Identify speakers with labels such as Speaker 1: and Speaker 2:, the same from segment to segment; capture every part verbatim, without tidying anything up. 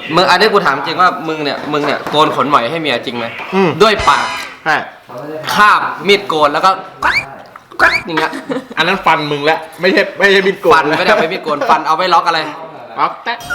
Speaker 1: มึงอันนี้กูถามจริงว่ามึงเนี่ยมึงเนี่ยโกนขนหมอยให้เมียจริงไหมด้วยปาก
Speaker 2: ใช่
Speaker 1: คาบมีดโกนแล้วก็กัดกัดอย่างเงี้ย
Speaker 2: อันนั้นฟันมึงแล้วไม่ใช่ไม่ใช่มีดโกน
Speaker 1: ฟันไม่ได้ไปมีดโกนฟันเอาไว้ล็อกอะไร
Speaker 2: ล็อกแตะ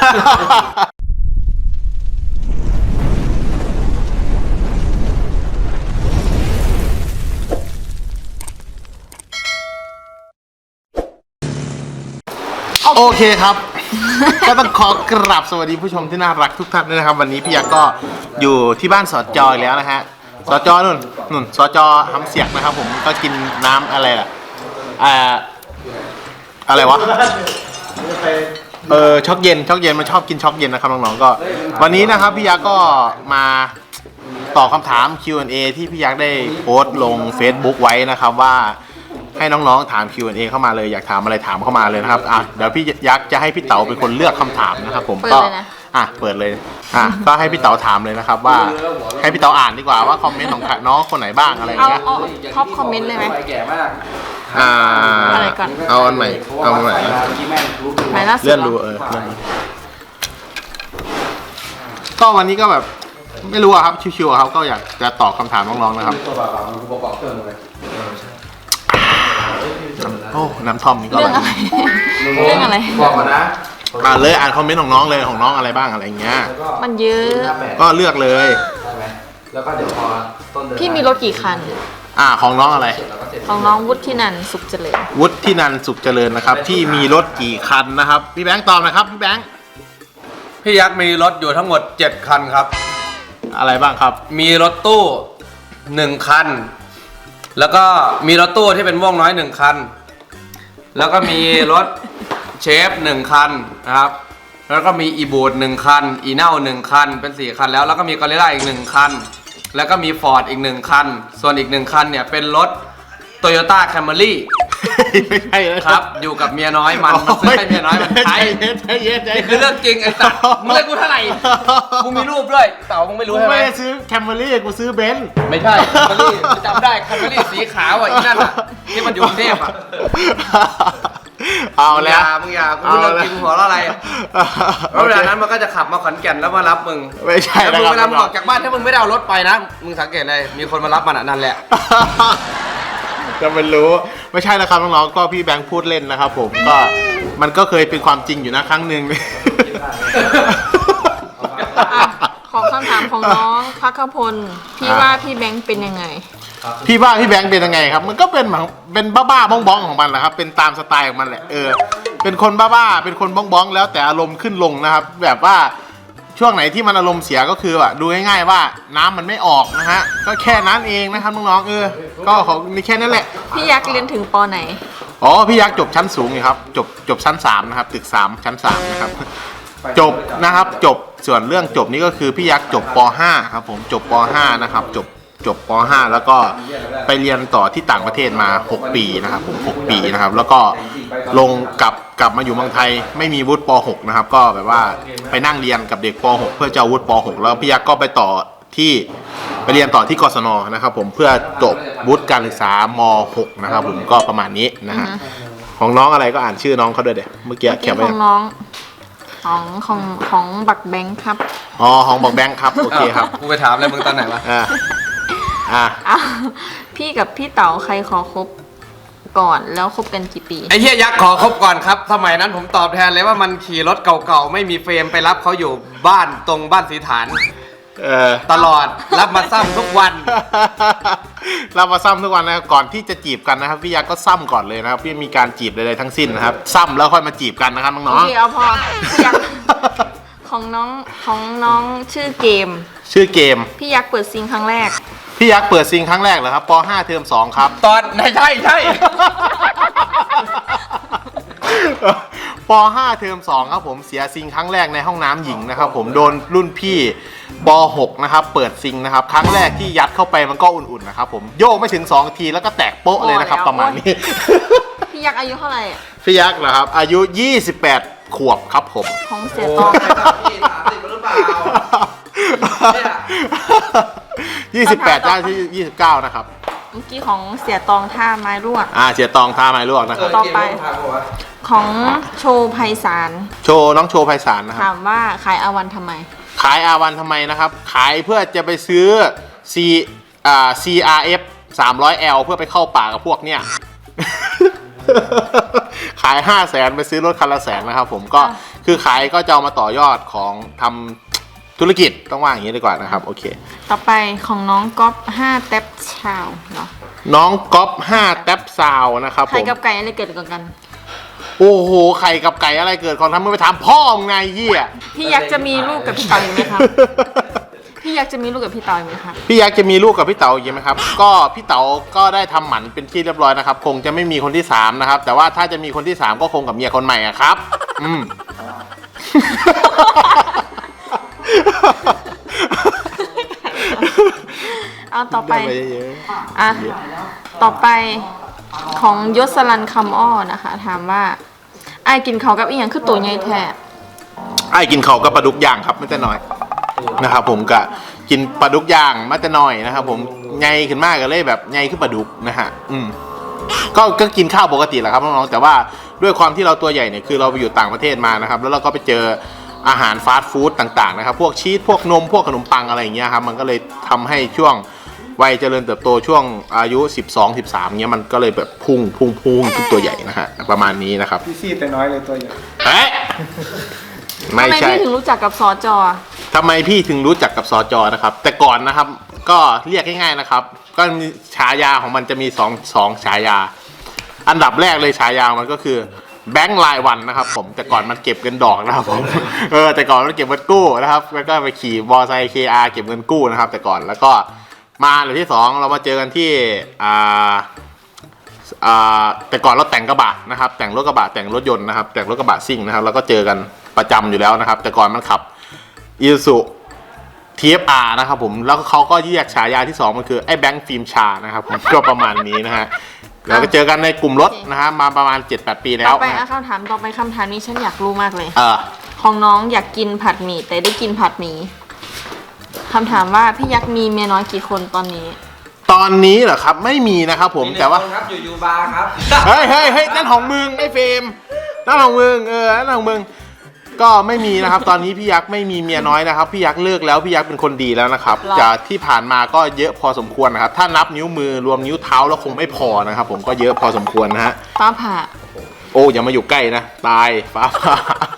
Speaker 2: โอเคครับก็ต้องขอกราบสวัสดีผู้ชมที่น่ารักทุกท่านด้วยนะครับวันนี้พี่ยักษ์ก็อยู่ที่บ้านสอจอยแล้วนะฮะสอจอนุ่นนุ่นสอจอทำเสียกนะครับผมก็กินน้ำอะไรล่ะอ่าอะไรวะเออช็อกเย็นช็อกเย็นมันชอบกินช็อกเย็นนะครับน้องๆก็วันนี้นะครับพี่ยักษ์ก็มาตอบคำถาม คิว แอนด์ เอ ที่พี่ยักษ์ได้โพสต์ลง Facebook ไว้นะครับว่าให้น้องๆถาม คิว แอนด์ เอ เข้ามาเลยอยากถามอะไรถามเข้ามาเลยนะครับอ่ะเดี๋ยวพี่ยักษ์จะให้พี่เต๋าเป็นคนเลือกคำถามนะครับผมก็อ่ะเปิดเลยอ่ะก็ให้พี่เต๋าถามเลยนะครับว่าให้พี่เต๋าอ่านดีกว่าว่าคอมเมนต์ของน้องคนไหนบ้างอะไรอย่างเงี้ย
Speaker 3: เอาท็อปคอมเมนต์เลยไหม
Speaker 2: อ่า
Speaker 3: อะไรก่อน
Speaker 2: เอาอันใหม่เอาอันใหม่
Speaker 3: หมายล่าสุด
Speaker 2: เลื่อนดูเออเลื่อนก็วันนี้ก็แบบไม่รู้อะครับชิวๆครับก็อยากจะตอบคำถามน้องๆนะครับโอ้น้ำท่อมนี่ก็อร่อย
Speaker 3: เรื่องอะไร
Speaker 1: บอกก่อนนะ
Speaker 2: อ่าเลยอ่านคอมเมนต์ของน้องเลยของน้องอะไรบ้างอะไรเงี้ย
Speaker 3: มันเยอะ
Speaker 2: ก็เลือกเลย
Speaker 1: แล้วก็เดี๋ยวพอต้นเดือน
Speaker 3: พี่มีรถกี่คัน
Speaker 2: อ่าของน้องอะไร
Speaker 3: ของน้องวุฒินันท์สุขเจริญ
Speaker 2: วุฒินันท์สุขเจริญนะครับที่มีรถกี่คันนะครับพี่แบงค์ตอบนะครับพี่แบงค์
Speaker 1: พี่ยักษ์มีรถอยู่ทั้งหมดเจ็ดคันครับ
Speaker 2: อะไรบ้างครับ
Speaker 1: มีรถตู้หนึ่งคันแล้วก็มีรถตู้ที่เป็นม่วงน้อยหนึ่งคันแล้วก็มีรถเชฟหนึ่งคันนะครับแล้วก็มีอีบูดหนึ่งคันอีเน่าหนึ่งคันเป็นสี่คันแล้วแล้วก็มีกอริลล่าอีกหนึ่งคันแล้วก็มีฟอร์ดอีกหนึ่งคันส่วนอีกหนึ่งคันเนี่ยเป็นรถโตโยต้าแคมรี่
Speaker 2: ไม่ใช่
Speaker 1: นะครับอยู่กับเมียน้อยมันมันซื้อให้เมียน้อยมันใช้นี่คือเรื่องจริงไอ้สัตว์มึงเลยกูเท่าไหร่กูมีรูปด้วยเต่ามึงไม่รู้ใช่ไหม
Speaker 2: ไม่ได้ซื้อแคมรี่กูซื้อเบนซ์
Speaker 1: ไม่ใช่แคมรี่จำได้แคมรี่สีขาวอ่ะอีนั่นอ่ะที่มันอยู่กรุงเทพอ่ะ
Speaker 2: เอาแล้ว
Speaker 1: มึงอย่ามึงอย่ากูเรื่องจริงหัวเราะอะไรแล้วเวลานั้นมันก็จะขับมาขอนแก่นแล้วมารับมึง
Speaker 2: ไม่ใช่
Speaker 1: แล้วมึงเวลามึงออกจากบ้านถ้ามึงไม่ได้เอารถไปนะมึงสังเกตเลยมีคนมารับมันอ่ะนั่นแหละ
Speaker 2: จะมันรู้ไม่ใช่นะครับน้องๆก็พี่แบงค์พูดเล่นนะครับผมก็มันก็เคยเป็นความจริงอยู่นะครั้งหนึ่ง
Speaker 3: ของคำถามของน้องพักพลพี่ว่าพี่แบงค์เป็นยังไง
Speaker 2: พี่ว่าพี่แบงค์เป็นยังไงครับมันก็เป็นเป็นบ้าๆบ้องๆของมันแหละครับเป็นตามสไตล์ของมันแหละเออเป็นคนบ้าๆเป็นคนบ้องๆแล้วแต่อารมณ์ขึ้นลงนะครับแบบว่าช่วงไหนที่มันอารมณ์เสียก็คือแบบดูง่ายๆว่าน้ำมันไม่ออกนะฮะก็แค่นั้นเองนะครับน้องๆเออก็ของนี่แค่นั้นแหละ
Speaker 3: พี่ยักษ์เรียนถึงป.ไหน
Speaker 2: อ๋อพี่ยักษ์จบชั้นสูงอยู่ครับจบจบชั้นสามนะครับตึกสามชั้นสามนะครับจบนะครับจบส่วนเรื่องจบนี้ก็คือพี่ยักษ์จบป.ห้าครับผมจบป.ห้านะครับจบจบป.ห้าแล้วก็ไปเรียนต่อที่ต่างประเทศมาหกปีนะครับผมหกปีนะครับแล้วก็ลงกลับกลับมาอยู่เมืองไทยไม่มีวุฒิป.หกนะครับก็แบบว่าไปนั่งเรียนกับเด็กป.หกเพื่อจะวุฒิป.หกแล้วพี่ยักษ์ก็ไปต่อที่ไปเรียนต่อที่กศนนะครับผมเพื่อจบวุฒิการศึกษาม.หกนะครับผมก็ประมาณนี้นะฮะของน้องอะไรก็อ่านชื่อน้องเขาด้วยเดี๋ยวเมื่อกี้เขียนไว้
Speaker 3: ของน้องของของของบักแบงค์ครับ
Speaker 2: อ๋อของบักแบงค์ครับโอเคครับ
Speaker 1: กูไปถามอะไรมึงตอนไหนวะ
Speaker 2: อ่าอ่
Speaker 3: ะพี่กับพี่เต๋าใครขอคบก่อนแล้วคบกันกี่ปี
Speaker 1: ไอ้เหี้ยยักษ์ขอคบก่อนครับสมัยนั้นผมตอบแทนเลยว่ามันขี่รถเก่าๆไม่มีเฟรมไปรับเขาอยู่บ้านตรงบ้านสีฐาน
Speaker 2: เออ
Speaker 1: ตลอดรับมาซ้ำทุกวัน
Speaker 2: รับมาซ้ำทุกวันนะก่อนที่จะจีบกันนะครับพี่ยักษ์ก็ซ้ำก่อนเลยนะครับพี่มีการจีบใดๆทั้งสิ้นนะครับซ้ำแล้วค่อยมาจีบกันนะครับน้องๆ
Speaker 3: โอเคเอาพอพี่ยักษ์ของน้องของน้องชื่อเกม
Speaker 2: ชื่อเกม
Speaker 3: พี่ยักษ์เปิดซิงครั้งแรก
Speaker 2: พี่ยักษ์เปิดซิงครั้งแรกเหรอครับป.ห้าเทอมสองครับ
Speaker 1: ตอนไหนใช่ใช่
Speaker 2: ป.ห้าเทอมสองครับผมเสียซิงครั้งแรกในห้องน้ำหญิงนะครับผมโดนรุ่นพี่ป.หกนะครับเปิดซิงนะครับครั้งแรกที่ยัดเข้าไปมันก็อุ่นๆนะครับผมโยกไม่ถึงสองทีแล้วก็แตกโป๊ะเลยนะครับประมาณนี้
Speaker 3: พี่ยักษ์อายุเท่าไหร่
Speaker 2: พี่ยักษ์เหรอครับอายุยี่สิบแปดขวบครับผม
Speaker 3: ของเสียตอง
Speaker 2: ยี่สิบแปดได้ที่ยี่สิบเก้านะครับ
Speaker 3: เมื่อกี้ของเสียตองท่าไม้ลวก
Speaker 2: อ่าเสียตองท่าไม้ลวกนะครับ
Speaker 3: ต่อไปของโชว์ไพศาล
Speaker 2: โชว์น้องโชว์ไพศาลนะครับ
Speaker 3: ถามว่าขายอาวันทำไม
Speaker 2: ขายอาวันทำไมนะครับ ขายเพื่อจะไปซื้อ C อ่า ซี อาร์ เอฟ สามร้อยแอล เพื่อไปเข้าป่ากับพวกเนี่ย ขายห้าแสนไปซื้อรถคันละแสนนะครับผมก็คือขายก็จะเอามาต่อยอดของทำธุรกิจต้องว่าอย่างนี้ดีกว่านะครับโอเค
Speaker 3: ต่อไปของน้องก๊อฟห้าแท็บชาวเนาะ
Speaker 2: น้องก๊อฟห้าแท็บซาวนะครับผ
Speaker 3: ไข่
Speaker 2: ม
Speaker 3: กับไก่อะไรเกิดก่อนกัน
Speaker 2: โอ้โหไข่กับไก่อะไรเกิดของทำมึงไปถามพ่อมึงไงเหี้ย
Speaker 3: พี่ยักษ์จะมีลูกกับพี่เต๋ออีกไหมครับ พี่ยักษ์จะมีลูกกับพี่เต๋ออีกไหมครับ
Speaker 2: พี่ยักษ์จะมีลูกกับพี่เต๋าอีกไหมครับ ก็พี่เต๋าก็ได้ทำหมันเป็นที่เรียบร้อยนะครับ คงจะไม่มีคนที่สามนะครับ แต่ว่าถ้าจะมีคนที่สามก็คงกับเมียคนใหม่อะครับ อืม
Speaker 3: เอาต่อไป
Speaker 2: ได้ไปเยอะ
Speaker 3: อ่ะ ต่อไปของยศรันคำอ้อนะคะ ถามว่าไอ้ายกินเขาวกับอีหยังคือตัวใหญ่แท้
Speaker 2: ไอ้กินเขาวกับปลาดุกย่างครับไม่แต่น้อยนะครับผมก็กินปลาดุกย่างมาแต่น้อยนะครับผมไงขึ้นมากก็เลยแบบไงขึ้นปลาดุกนะฮะอืมก็ก็กินข้าวปกติแหละครับน้องๆแต่ว่าด้วยความที่เราตัวใหญ่เนี่ยคือเราไปอยู่ต่างประเทศมานะครับแล้วเราก็ไปเจออาหารฟาสต์ฟู้ดต่างๆนะครับพวกชีสพวกนมพวกขนมปังอะไรอย่างเงี้ยครับมันก็เลยทำให้ช่วงวัยเจริญเติบโตช่วงอายุสิบสอง สิบสามเงี้ยมันก็เลยแบบพุ่งพุ่งพุ่งขึ้นตัวใหญ่นะฮะประมาณนี้นะครับ
Speaker 4: พี่ซีดแต่น้อยเลยตัวใหญ่
Speaker 2: เอ๊ะไม่
Speaker 3: ทำไม
Speaker 2: ใช่
Speaker 3: พี่ถึงรู้จักกับสอจอ
Speaker 2: ทำไมพี่ถึงรู้จักกับสจนะครับ แต่ก่อนนะครับก็เรียกง่ายๆนะครับ ก็มีฉายาของมันจะมีสองสองฉายา อันดับแรกเลยฉายามันก็คือแบงค์รายวันนะครับผมแต่ก่อนมันเก็บเงินดอกนะครับผมเออแต่ก่อนมันเก็บเงินกู้นะครับแล้วก็ไปขี่มอไซค์ เค อาร์ เก็บเงินกู้นะครับ แต่ก่อนแล้วก็มาหรือที่สองเรามาเจอกันที่อ่าอ่าแต่ก่อนเราแต่งกระบะนะครับแต่งรถกระบะแต่งรถยนต์นะครับแต่งรถกระบะซิ่งนะครับแล้วก็เจอกันประจำอยู่แล้วนะครับ แต่ก่อนมันขับอีซู ที เอฟ อาร์ นะครับผมแล้วเขาก็เรียกฉายาที่สองมันคือไอ้แบงค์ฟิล์มชานะครับผมก็ประมาณนี้นะฮะเราก็เจอกันในกลุ่มรถนะฮะมาประมาณ เจ็ดแปด ปีแล้
Speaker 3: ต่
Speaker 2: ว
Speaker 3: อไป
Speaker 2: นะ
Speaker 3: อ่ะ
Speaker 2: ฮะ
Speaker 3: คำถามต่อไปคำถามนี้ฉันอยากรู้มากเลย
Speaker 2: เออ
Speaker 3: ของน้องอยากกินผัดหมี่แต่ได้กินผัดหมี่คำถามว่าพี่ยักษ์มีเมียน้อยกี่คนตอนนี้
Speaker 2: ตอนนี้เหรอครับไม่มีนะครับผมแต่ว่า
Speaker 1: มีหนึ่งคนครับอยู่ยูบาร์ครับ
Speaker 2: เฮ้ยเฮ้ยเฮ้ยนั่นของมึงไอ้เฟรมนั่นของมึงเออนั่นของมึงก็ไม่มีนะครับ ตอนนี้พี่ยักษ์ไม่มีเมียน้อยนะครับพี่ยักษ์เลิกแล้วพี่ยักษ์เป็นคนดีแล้วนะครับ
Speaker 3: หรอ
Speaker 2: จากที่ผ่านมาก็เยอะพอสมควรนะครับถ้านับนิ้วมือรวมนิ้วเท้าแล้วคงไม่พอนะครับ ผมก็เยอะพอสมควรนะฮะ
Speaker 3: ฟ้าผ่า
Speaker 2: โอ้อย่ามาอยู่ใกล้นะตายฟ้าผ่า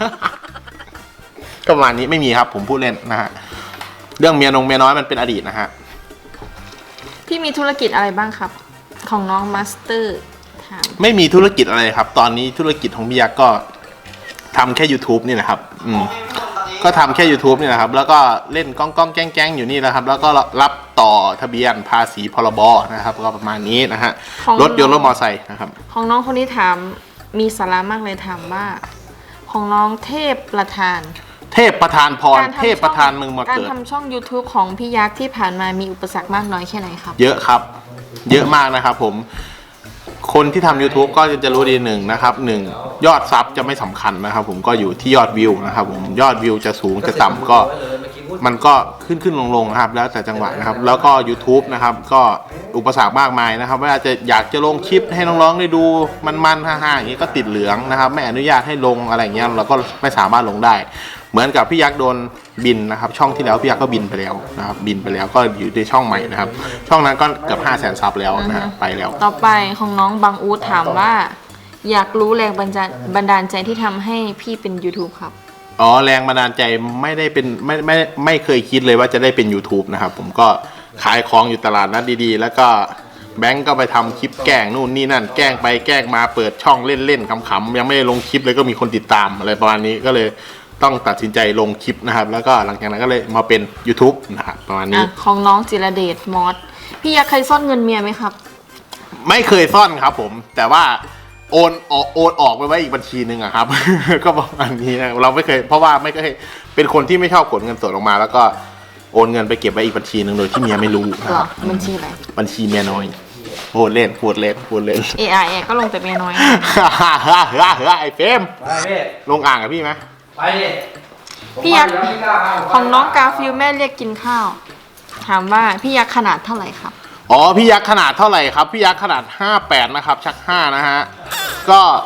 Speaker 2: ก็ประมาณนี้ไม่มีครับผมพูดเล่นนะฮะเรื่องเมียนงเมียน้อยมันเป็นอดีตนะฮะ
Speaker 3: พี่มีธุรกิจอะไรบ้างครับ ของน้องมาสเตอร์ถาม
Speaker 2: ไม่มีธุรกิจอะไรครับ ตอนนี้ธุรกิจของพี่ยักษ์ก็ทำแค่ YouTube นี่แหละครับอืมก็ทำแค่ YouTube นี่แหละครับแล้วก็เล่นก้องก้องแก้งแก้งอยู่นี่แหละครับแล้วก็รับต่อทะเบียนภาษีพรบนะครับก็ประมาณนี้นะฮะรถยนต์รถมอเตอร์ไซค์นะครับ
Speaker 3: ของน้องคนนี้ถามมีสาระมากเลยถามว่า ของน้องเทพประธาน
Speaker 2: เทพประธานพร
Speaker 3: การทำ
Speaker 2: เทพประธานมึงมา
Speaker 3: การ
Speaker 2: เกิด
Speaker 3: ทำช่อง YouTube ของพี่ยักษ์ที่ผ่านมามีอุปสรรคมากน้อยแค่ไหนครับ
Speaker 2: เยอะครับ เยอะมากนะครับผม คนที่ทำ YouTube ก็จะรู้ดีหนึ่งนะครับหนึ่งยอดซับจะไม่สำคัญนะครับ ผมก็อยู่ที่ยอดวิวนะครับผมยอดวิวจะสูงจะต่ำก็มันก็ขึ้นขึ้นลงลงนะครับ แล้วแต่จังหวะนะครับ แล้วก็ YouTube นะครับก็อุปสรรคมากมายนะครับเวลาจะอยากจะลงคลิปให้น้องๆได้ดูมันๆฮ่าๆอย่างนี้ก็ติดเหลืองนะครับไม่อนุญาตให้ลงอะไรอย่างเงี้ยเราก็ไม่สามารถลงได้ เหมือนกับพี่ยักษ์โดนบินนะครับช่องที่แล้วพี่ยักษ์ก็บินไปแล้วนะครับบินไปแล้วก็อยู่ในช่องใหม่นะครับช่องนั้นก็เกือบห้าแสนซับแล้วนะฮะไปแล้ว
Speaker 3: ต่อไปของน้องบางอูดถามว่า อยากรู้แรงบันดาลบันดาลใจที่ทำให้พี่เป็น YouTube ครับ
Speaker 2: อ๋อแรงบันดาลใจไม่ได้เป็นไม่ไม่ไม่เคยคิดเลยว่าจะได้เป็น YouTube นะครับผมก็ขายของอยู่ตลาดนัดดีๆแล้วก็แบงก์ก็ไปทำคลิปแกล้งนู่นนี่นั่นแกล้งไปแกล้งมาเปิดช่องเล่นๆขำๆยังไม่ได้ลงคลิปเลยก็มีคนติดตามอะไรประมาณนี้ก็เลยต้องตัดสินใจลงคลิปนะครับแล้วก็หลังจากนั้นก็เลยมาเป็น YouTube นะครับประมาณนี้
Speaker 3: อ่ะของน้องจิรเดชมอสพี่ยักษ์เคยซ่อนเงินเมียไหมครับ
Speaker 2: ไม่เคยซ่อนครับผมแต่ว่าโอนออกโอนออกไปไว้อีกบัญชีหนึ่งอะครับ ก็ประมาณนี้นะเราไม่เคยเพราะว่าไม่เคยเป็นคนที่ไม่ชอบกดเงินสดออกมา แล้วก็โอนเงินไปเก็บไว้อีกบัญชีหนึ่งโดยที่เมียไม่รู้นะ
Speaker 3: เหร
Speaker 2: ค
Speaker 3: อ
Speaker 2: รับ
Speaker 3: บัญชีอะไร
Speaker 2: บัญชีเมียน้อยพูดเล่นพูดเล่นพูดเล่น
Speaker 3: เอไอก็ลงแต่เมียน้อย
Speaker 2: ไอ้เฟรม
Speaker 1: ไปพี่
Speaker 2: ลงอ่างกับพี่ไหม
Speaker 1: ไปดิ
Speaker 3: พี่ยักษ์
Speaker 1: ผมไปแล้วพี่กล้าเอา
Speaker 3: ของน้องกาฟิลแม่เรียกกินข้าว ถามว่าพี่ยักษ์ขนาดเท่าไหร่ครับ
Speaker 2: อ๋อพี่ยักษ์ขนาดเท่าไหร่ครับพี่ยักษ์ขนาดห้าแปดนะครับชักห้านะฮะก็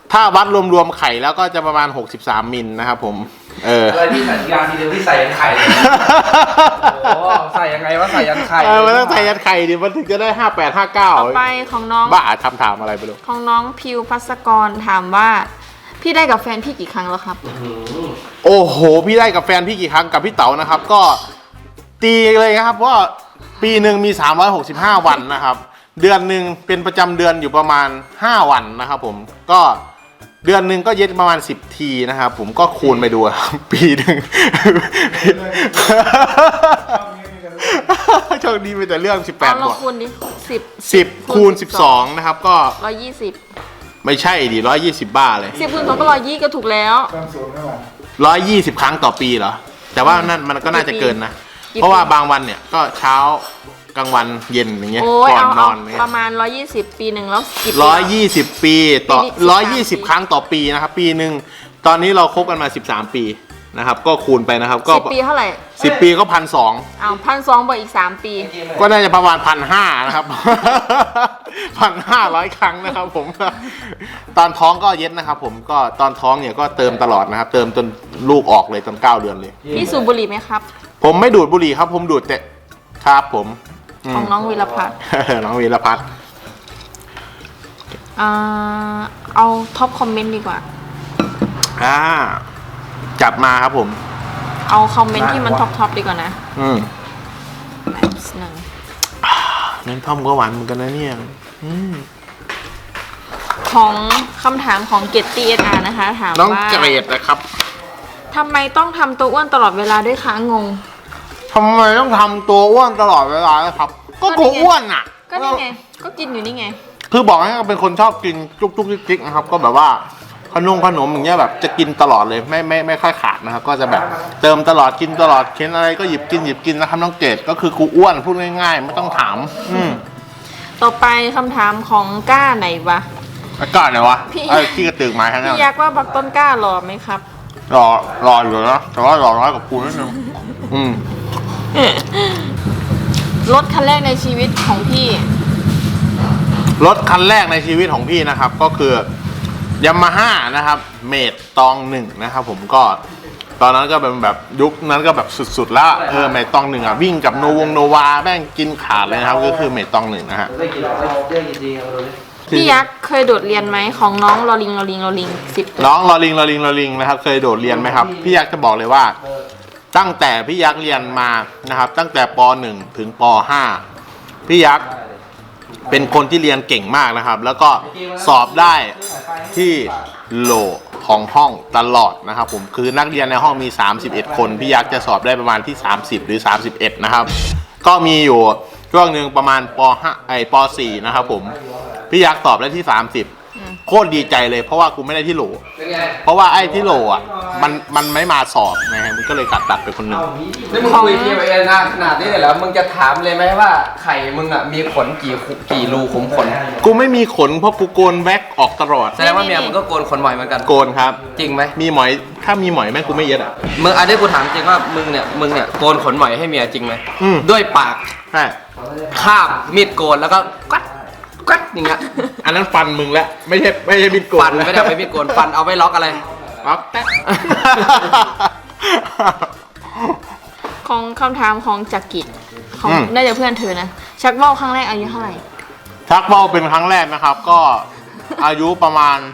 Speaker 2: ถ้าวัดรวมๆไข่แล้วก็จะประมาณหกสิบสามมิลนะครับผมเออ
Speaker 1: อะไรที่สัญญาณทีเดียวที่ใส่ยันไข่เลยโอ้ใส่ยังไงว่าใส่ยันไข่
Speaker 2: เออมันต้องใส่ยันไข่ดิมันถึงจะได้ห้าแปดห้าเก้า
Speaker 3: ต่อไปของน้อง
Speaker 2: บ้าทำถามอะไรไปดู
Speaker 3: ของน้องพิวพัสกรถามว่า พี่ได้กับแฟนพี่กี่ครั้งแล้วครับ
Speaker 2: โอ้โหพี่ได้กับแฟนพี่กี่ครั้งกับพี่เต๋านะครับ ก็ตีเลยนะครับว่าปีหนึ่งมีสามร้อยหกสิบห้าวันนะครับ เดือนหนึ่งเป็นประจำเดือนอยู่ประมาณห้าวันนะครับผมก็เดือนหนึ่งก็เย็ดประมาณสิบทีนะครับผมก็คูณไปดูครับปีหนึ่งโชคดีไปแต่เรื่องสิบแปด
Speaker 3: เอา
Speaker 2: บ
Speaker 3: เรา
Speaker 2: วก
Speaker 3: คูณดิสิบ
Speaker 2: สิบคูณสิบสองนะครับก็
Speaker 3: ร้อยยี่สิบ
Speaker 2: ไม่ใช่ดิร้อยยี่สิบบ้าเลย
Speaker 3: สิบคูณสองก็ร้อยยี่ก็ถูกแล้ว
Speaker 2: ร้อยยี่สิบครั้งต่อปีเหรอแต่ว่านั่นมันก็น่าจะเกินนะ
Speaker 3: กี่ปี
Speaker 2: เพราะว่าบางวันเนี่ยก็เช้ากลางวันเย็นอย่างเงี้ย
Speaker 3: โอ้ย
Speaker 2: ก่อน
Speaker 3: เอา
Speaker 2: น
Speaker 3: เอา
Speaker 2: อนเนี่ย
Speaker 3: ประมาณร้อยยี่สิบปีหนึ่งแล้วกี่ปี
Speaker 2: ร้อยยี่สิบปีต่อ
Speaker 3: ปีนี้
Speaker 2: ร้อยยี่สิบครั้งต่อปีนะครับ ปีหนึ่งตอนนี้เราคบกันมาสิบสามปีนะครับ ก็คูณไปนะครับ ก็
Speaker 3: สิบปีเท่าไหร่
Speaker 2: สิบปีก็พันสอง
Speaker 3: เอาพันสองบวกอีกสามปี
Speaker 2: ก็น่าจะประมาณพันห้านะครับ พันห้าร้อยครั้งนะครับผม ตอนท้องก็เย็ดนะครับ ผมก็ตอนท้องเนี่ยก็เติมตลอดนะครับ เติมจนลูกออกเลยจนเก้าเดือนเลย
Speaker 3: พี่สูบบุหรี่ไหมครับ
Speaker 2: ผมไม่ดูดบุหรี่ครับ ผมดูดแต่ครับผมม
Speaker 3: ของน้องวีรพัฒน์
Speaker 2: น้องวีรพัฒน์
Speaker 3: อ่าเอาท็อปคอมเมนต์ดีกว่า
Speaker 2: อ่าจับมาครับผม
Speaker 3: เอาคอมเมนต์ที่มันท็อปท็อปดีกว่านะ
Speaker 2: อืม
Speaker 3: แบบหนึ่ง
Speaker 2: น้ำท่อมก็หวานเหมือนกันนะเนี่ยอืม
Speaker 3: ของคำถามของเกตตีเออาร์นะคะ ถาม
Speaker 2: น้อง
Speaker 3: ว่า
Speaker 2: เกรดนะครับ
Speaker 3: ทำไมต้องทำตัวอ้วนตลอดเวลาด้วยคะงง
Speaker 2: ทำไมต้องทำตัวอ้วนตลอดเวลานะครับ ก็กูอ้วนอ่ะ
Speaker 3: ก็นี่ไง ก็กินอยู่นี่ไง
Speaker 2: คือบอกให้เป็นคนชอบกินจุกจุกจิกจิกนะครับ ก็แบบว่าขนมขนมอย่างเงี้ยแบบจะกินตลอดเลยไม่ไม่ไม่ค่อยขาดนะครับ ก็จะแบบเติมตลอดกินตลอดเค้นอะไรก็หยิบกินหยิบกินนะครับน้องเกดก็คือกูอ้วนพูดง่ายๆ ไม่ต้องถาม อืม
Speaker 3: ต่อไปคำถามของก้าไหนวะ
Speaker 2: อากาศไหนวะ
Speaker 3: พี่
Speaker 2: ไอ้ที่กระตือกมาแค่นั้
Speaker 3: พี่
Speaker 2: น
Speaker 3: ยักษ์ว่าบักต้นกล้าหล่อไหมครับ
Speaker 2: รอรออยู่นะแต่ว่ารอน้อยกับกูนิดนึงอืม
Speaker 3: รถคันแรกในชีวิตของพี่
Speaker 2: รถคันแรกในชีวิตของพี่นะครับ ก็คือยามาฮ่านะครับเมดตองหนึ่งนะครับผมก็ตอนนั้นก็เป็นแบบยุคนั้นก็แบบสุดๆแล้วเออเมดตองหนึ่งอ่ะวิ่งกับโนวงโนวาแม่งกินขาดเลยนะครับก็คือเมดตองหนึ่งนะฮะ
Speaker 1: ได้กินได้ได้กินจริงเอาเลย
Speaker 3: พี่ยักษ์เคยโดดเรียนไหมของน้องลอลิงลอลิงลอลิงสิบ
Speaker 2: น้องลอลิงลอลิงลอลิงนะครับเคยโดดเรียนไหมครับพี่ยักษ์จะบอกเลยว่า ตั้งแต่พี่ยักษ์เรียนมานะครับ ตั้งแต่ป หนึ่ง ถึงป ห้า พี่ยักษ์เป็นคนที่เรียนเก่งมากนะครับ แล้วก็สอบได้ที่โหลของห้องตลอดนะครับผมคือนักเรียนในห้องมีสามสิบเอ็ดคนพี่ยักษ์จะสอบได้ประมาณที่สามสิบหรือสามสิบเอ็ดนะครับก็มีอยู่ช่วงหนึ่งประมาณป ห้า ไอ้ป สี่ นะครับผมพี่ยักษ์สอบได้ที่สามสิบโคตรดีใจเลยเพราะว่ากูไม่ได้ที่โหล
Speaker 1: เป็นไง
Speaker 2: เพราะว่าไอ้ที่โหลอ่ะมันมันไม่มาสอบนะฮะมันก็เลยกัดตัดไปคนหนึ่ง
Speaker 1: นี่มึงคุยทีมเอ็นนานขนาดนี้เลยแล้วมึงจะถามเลยไหมว่าไข่มึงอ่ะมีขนกี่ขุกี่รูขุมขน
Speaker 2: กูไม่มีขนเพราะกูโกนแว็กออกตลอด
Speaker 1: แสดงว่าเมียมึงก็โกนขนบ่อยเหมือนกัน
Speaker 2: โกนครับ
Speaker 1: จริงไหม
Speaker 2: มีหมอยถ้ามีหมอยแม่งกูไม่เย็ดอ่ะ
Speaker 1: มึงอันนี้กูถามจริงว่ามึงเนี่ยมึงเนี่ยโกนขนบ่อยให้เมียจริงไหม
Speaker 2: อืม
Speaker 1: ด้วยปาก
Speaker 2: ใช่
Speaker 1: คาบมีดโกนแล้วก็กัดกัดอย่างเงี้ย
Speaker 2: อันนั้นฟันมึงแล้วไม่ใช่ไม่ใช่บิดโกน
Speaker 1: ฟันไม่ได้เอาไปมีดโกนฟันเอาไว้ล็อกอะไร
Speaker 2: ล็อกแต๊ะ
Speaker 3: ของคำถามของจักริดของ
Speaker 2: อืม
Speaker 3: น่าจะเพื่อนเธอนะ ชักว่าวครั้งแรกอายุเท่าไหร่
Speaker 2: ชักเบ้าเป็นครั้งแรกนะครับ ก็อายุประมาณ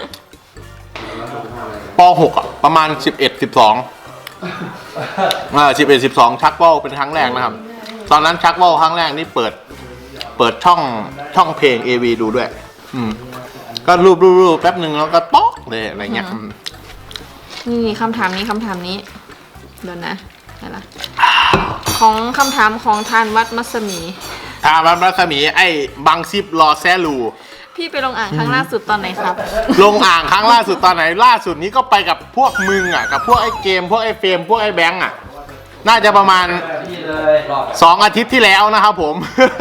Speaker 2: ป หกอ่ะประมาณสิบเอ็ด สิบสองอ่าสิบเอ็ด สิบสองชักเบ้าเป็นครั้งแรกนะครับ ตอนนั้นชักเบ้าครั้งแรกนี่เปิด เปิดช่องช่องเพลง เอ วี ดูด้วย อืมก็รูปรูปรูปแป๊บหนึ่งแล้วก็ป๊อกเลยอะไรเงี้ย
Speaker 3: อืม นี่คำถามนี้คำถามนี้เดี๋ยวนะอะไรล่ะของคำถามของทานวัดมัสมี
Speaker 2: ถามรัศมีไอ้บังซิบรอแซลู
Speaker 3: พี่ไปลงอ่างครั้งล่าสุดตอนไหนครับ
Speaker 2: ลงอ่างครั้งล่าสุดตอนไหนล่าสุดนี้ก็ไปกับพวกมึงอ่ะกับพวกไอ้เกมพวกไอ้เฟรมพวกไอ้แบงค์อ่ะน่าจะประมาณสองอาทิตย์ที่แล้วนะครับผม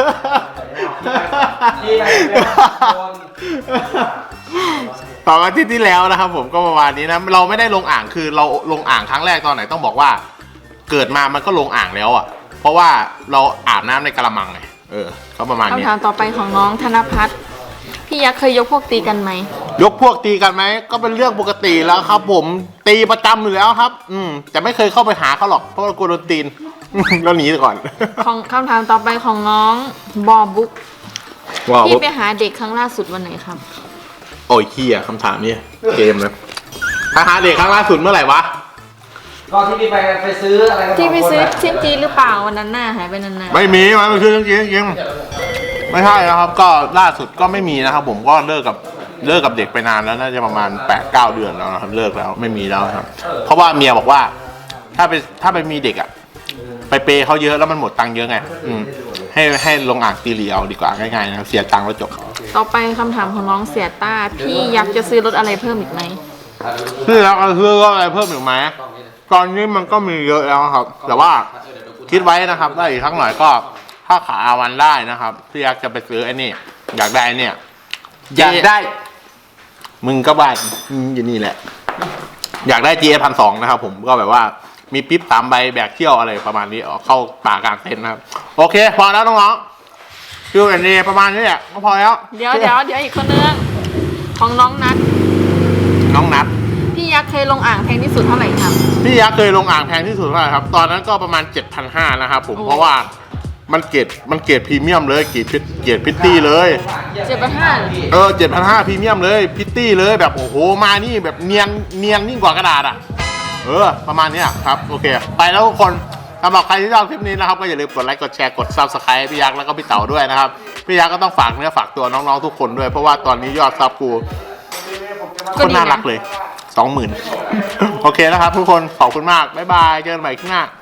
Speaker 2: สองอาทิตย์ที่แล้วนะครับผมก็ประมาณนี้นะเราไม่ได้ลงอ่างคือเราลงอ่างครั้งแรกตอนไหนต้องบอกว่า เกิดมามันก็ลงอ่างแล้วอ่ะ เพราะว่าเราอาบน้ำในกระมังไงเออเขาประมาณนี้
Speaker 3: คำถามต่อไปของน้องธนพัฒน์พี่ยักษ์เคยยกพวกตีกันไหม
Speaker 2: ยกพวกตีกันไหมก็เป็นเรื่องปกติแล้วครับ ผมตีประจำอยู่แล้วครับ อืมแต่ไม่เคยเข้าไปหาเขาหรอกเพราะว่ากลัวโดนตีน แล้วหนีก่อน
Speaker 3: ของคำถามต่อไปของน้องบอบุ๊ก
Speaker 2: ว้าว
Speaker 3: พี่ไปหาเด็กครั้งล่าสุดวันไหนครับ
Speaker 2: โอ้ยขี้อ่ะคำถามนี้เกมนะถ้าหาเด็กครั้งล่าสุดเมื่อไหร่วะ
Speaker 1: ก็ที่พี่ไปไปซื้ออะไรกัน
Speaker 3: ที่ไปซื้อ
Speaker 1: สงคน
Speaker 3: เชียงจีหรือเปล่าวันนั้นน่ะหายไปนาน
Speaker 2: ไม่มีมันไม่คือจริงจริงๆไม่ใช่นะครับ ก็ล่าสุดก็ไม่มีนะครับ ผมก็เลิกกับเลิกกับเด็กไปนานแล้วน่าจะประมาณแปดเก้าเดือนแล้วนะครับเลิกแล้วไม่มีแล้วครับ เพราะว่าเมียบอกว่า ถ้าไปถ้าไปมีเด็กอ่ะไปเปย์เขาเยอะแล้วมันหมดตังค์เยอะไงอืมให้ให้ลงอ่างตีเหลียวดีกว่าง่ายๆนะครับเสียตังค์แล้วจบ
Speaker 3: ๆ ต่อไปคำถามของน้องเสียต้า พี่ยักษ์จะซื้อรถอะไรเพิ่มอีกไหม
Speaker 2: คือแล้วก็คือก็อะไรเพิ่มอีกไหมตอนนี้มันก็มีเยอะแล้วครับ แต่ว่าคิดไว้นะครับได้อีกครั้งหน่อยก็ถ้าขาอาวันได้นะครับพี่ยักษ์จะไปซื้อไอ้นี่อยากได้เนี่ย
Speaker 1: อยากได้
Speaker 2: มึงก็บ้านอืมอยู่นี่แหละ อยากได้ จี เอส พันสองนะครับผมก็แบบว่ามีปิ๊บสามใบแบกเที่ยวอะไรประมาณนี้ออกเข้าป่ากลางเต็นท์นะครับโอเคพอแล้วน้องๆคืออันนี้ประมาณนี้แหละก็พอแล้ว
Speaker 3: เดี๋ยวเดี๋ยวเดี๋ยวอีกคนนึงของน้องนัท
Speaker 2: น้องนัด
Speaker 3: พี่ยักษ์เคยลงอ่างแพงที่สุดเท่าไหร่ครับ
Speaker 2: พี่ยักษ์เคยลงอ่างแพงที่สุดเท่าไหร่ครับ ตอนนั้นก็ประมาณ เจ็ดพันห้าร้อย นะครับผม
Speaker 3: โอ้
Speaker 2: เพราะว่ามันเกรดมันเกรดพรีเมียมเลยเกรดพิตเกรดพิตตี้เลย
Speaker 3: เจ็ดพันห้า
Speaker 2: เออ เจ็ดพันห้าร้อย พรีเมียมเลยพิตตี้เลยแบบโอ้โหมานี่แบบเนียนเนียนยิ่งกว่ากระดาษอ่ะเออประมาณเนี้ยครับโอเค ไปแล้วทุกคนสำหรับใครที่ชอบคลิปนี้นะครับก็อย่าลืมกดไลค์กดแชร์กด ซับสไครบ์ พี่ยักษ์แล้วก็พี่เต๋าด้วยนะครับพี่ยักษ์ก็ต้องฝากเนื้อฝากตัวน้องๆทุกคนด้วยเพราะว่าตอนนี้ยอดซับกูคนน่ารักเลยสองหมื่นโอเคนะครับทุกคนขอบคุณมากบ๊ายบายเจอกันใหม่คลิปหน้า